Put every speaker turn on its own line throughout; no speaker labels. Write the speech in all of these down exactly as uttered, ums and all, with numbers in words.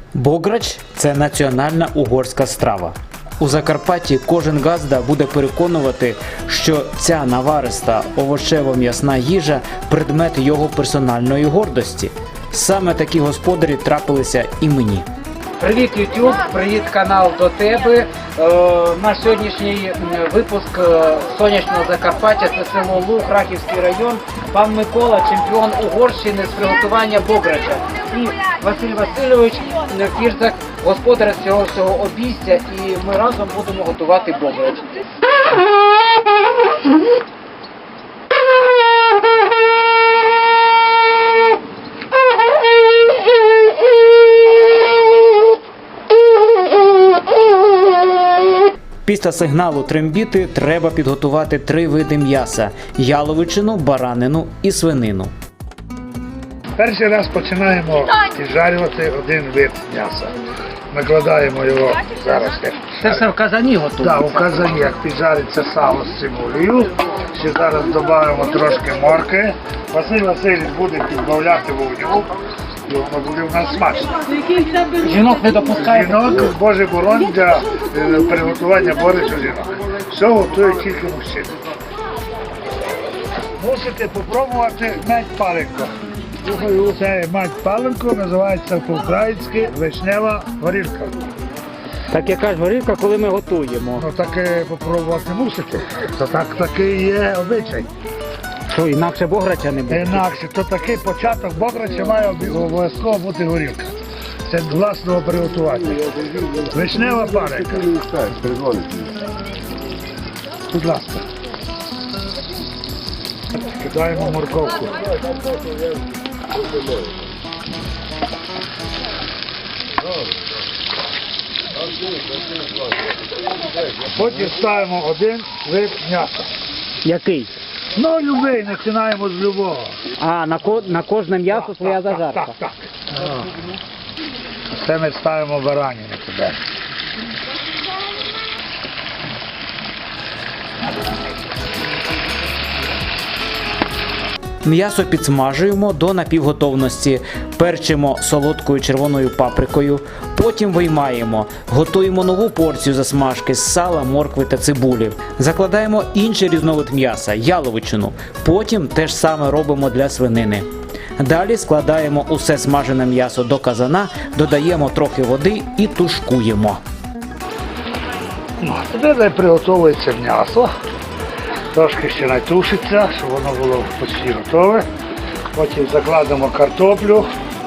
Бограч – це національна угорська страва. У Закарпатті кожен газда буде переконувати, що ця навариста овочево-м'ясна їжа – предмет його персональної гордості. Саме такі господарі трапилися і мені.
Привіт, YouTube, привіт, канал до тебе. Е, наш сьогоднішній випуск е, сонячного Закарпаття, це село Луг, Рахівський район. Пан Микола, чемпіон Угорщини з приготування бограча. І Василь Васильович, Фірзак, господар цього всього обійстя. І ми разом будемо готувати бограч.
Після сигналу трембіти треба підготувати три види м'яса – яловичину, баранину і свинину.
Перший раз починаємо піджарювати один вид м'яса. Накладаємо його зараз.
Це все в казані готується?
Так, у казані, як піджариться сало з цибулею. Ще зараз додаємо трошки морки. Василь Васильович буде підбавляти вогню. І воно буде в нас смачно.
Жінок не допускає?
Жінок, Боже боронь, для е, приготування борщу жінок. Все готує тільки мужчини. Мусите спробувати мать паленку. Це мать паленку, називається по-українськи вишнева горілка.
Так яка ж горілка, коли ми готуємо?
Ну таке попробувати мусите. То так такий є обичай.
Що, інакше бограча не буде?
Інакше, то такий початок бограча має обов'язково бути горілка. Це власного приготування. Вишнева паленка. Будь ласка. Кидаємо морковку. Потім ставимо один вид м'яса.
Який?
Ну, любий, починаємо з любого.
А, на, ко... на кожне м'ясо своя зажарка?
Так, так. Це ми ставимо баранину туди.
М'ясо підсмажуємо до напівготовності, перчимо солодкою червоною паприкою, потім виймаємо, готуємо нову порцію засмажки з сала, моркви та цибулі. Закладаємо інший різновид м'яса – яловичину, потім те ж саме робимо для свинини. Далі складаємо усе смажене м'ясо до казана, додаємо трохи води і тушкуємо.
Туди приготовується м'ясо. Трошки ще натушиться, щоб воно було почти готове. Потім закладемо картоплю.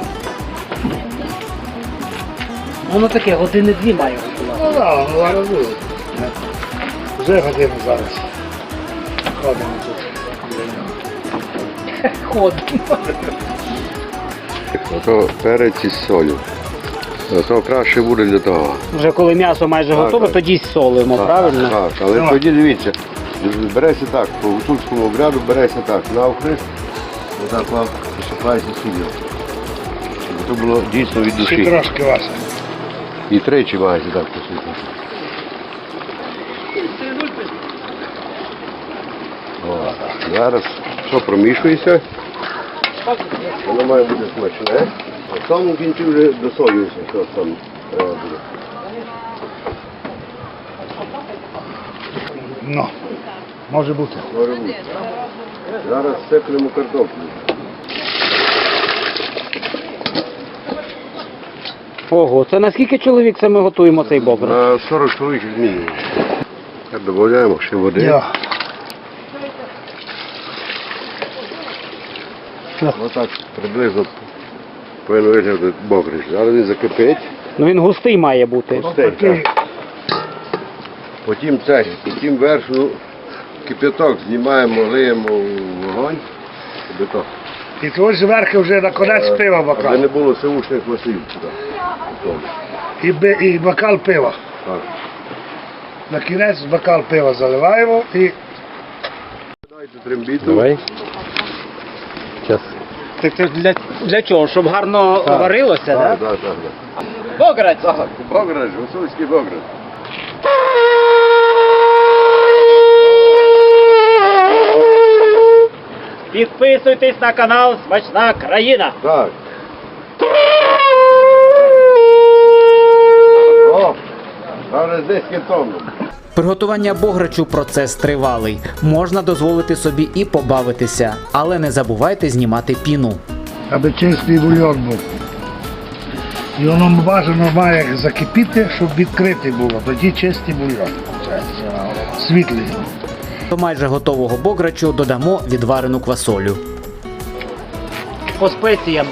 Воно таке, години-дві має готувати.
Ну так, воно зараз буде. Вже годину зараз. Ходимо тут.
Ходимо.
Ото перець із солью. То краще буде для того.
Вже коли м'ясо майже
Так,
готове,
так.
тоді солимо, правильно?
Так, але
Ну.
тоді дивіться, береться так, по гуцульському обряду береться так, навхрест, отак вам посипається сіллю. Щоб це було дійсно від
Ще
душі.
трошки Вася.
І тричі маєте так посипати. О, зараз все промішується. Воно має бути смачне. А в самому кінці вже досолюється, що там треба буде.
Ну, може бути.
Може бути. Зараз сиплемо картоплю.
Ого, це на скільки чоловік це ми готуємо цей бограч?
На сорок чоловік як мінімум. Так додаємо ще води.
Я.
Отак приблизно повинен виглядати бограч. Зараз він закипить.
Ну він густий має бути.
Густий,
Такий.
так. Потім це, потім верхню кип'яток знімаємо, лиємо в вогонь. Щоб то.
І твої зверху вже на конець пива
Аби
бокал.
не було сивушних масів сюди. Готово.
І, би- і бокал пива.
Так.
На кінець бокал пива заливаємо і
Дайте трембіту.
Давай. Час. Так це для, для чого? Щоб гарно
Так.
варилося,
Так,
так?
так, так.
Бограч!
Так, бограч, гуцульський бограч.
Підписуйтесь на канал Смачна країна!
Так. десять тонн.
Приготування бограчу – процес тривалий. Можна дозволити собі і побавитися, але не забувайте знімати піну.
Аби чистий бульйон був. І воно бажано має закипіти, щоб відкритий було. Тоді чистий бульйон. Світлий.
До майже готового бограчу додамо відварену квасолю.
По спеціям.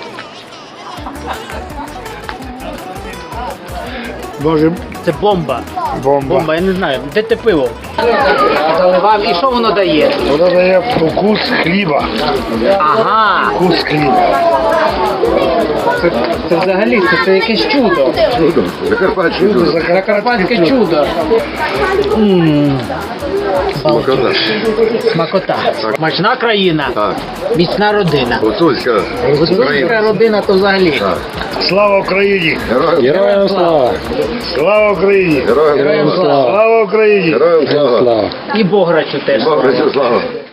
Може,
Це бомба.
бомба.
Бомба, я не знаю. Де те пиво? Заливав. І що воно дає?
Воно дає вкус хліба.
Ага.
Вкус хліба.
Це, це взагалі це, це якесь чудо.
Чудо, Закарпатське чудо.
Закарпатське чудо. М.
Смакота.
Смакота. Смачна країна.
Так.
Міцна родина.
Гуцульська
Гуцульська
Україна.
родина то взагалі.
Так.
Слава Україні!
Героям
Героям слава.
Слава Україні!
Героям
Героям
слава.
слава.
Слава Україні!
Героям слава.
І Бограчу теж.
Бограчу слава.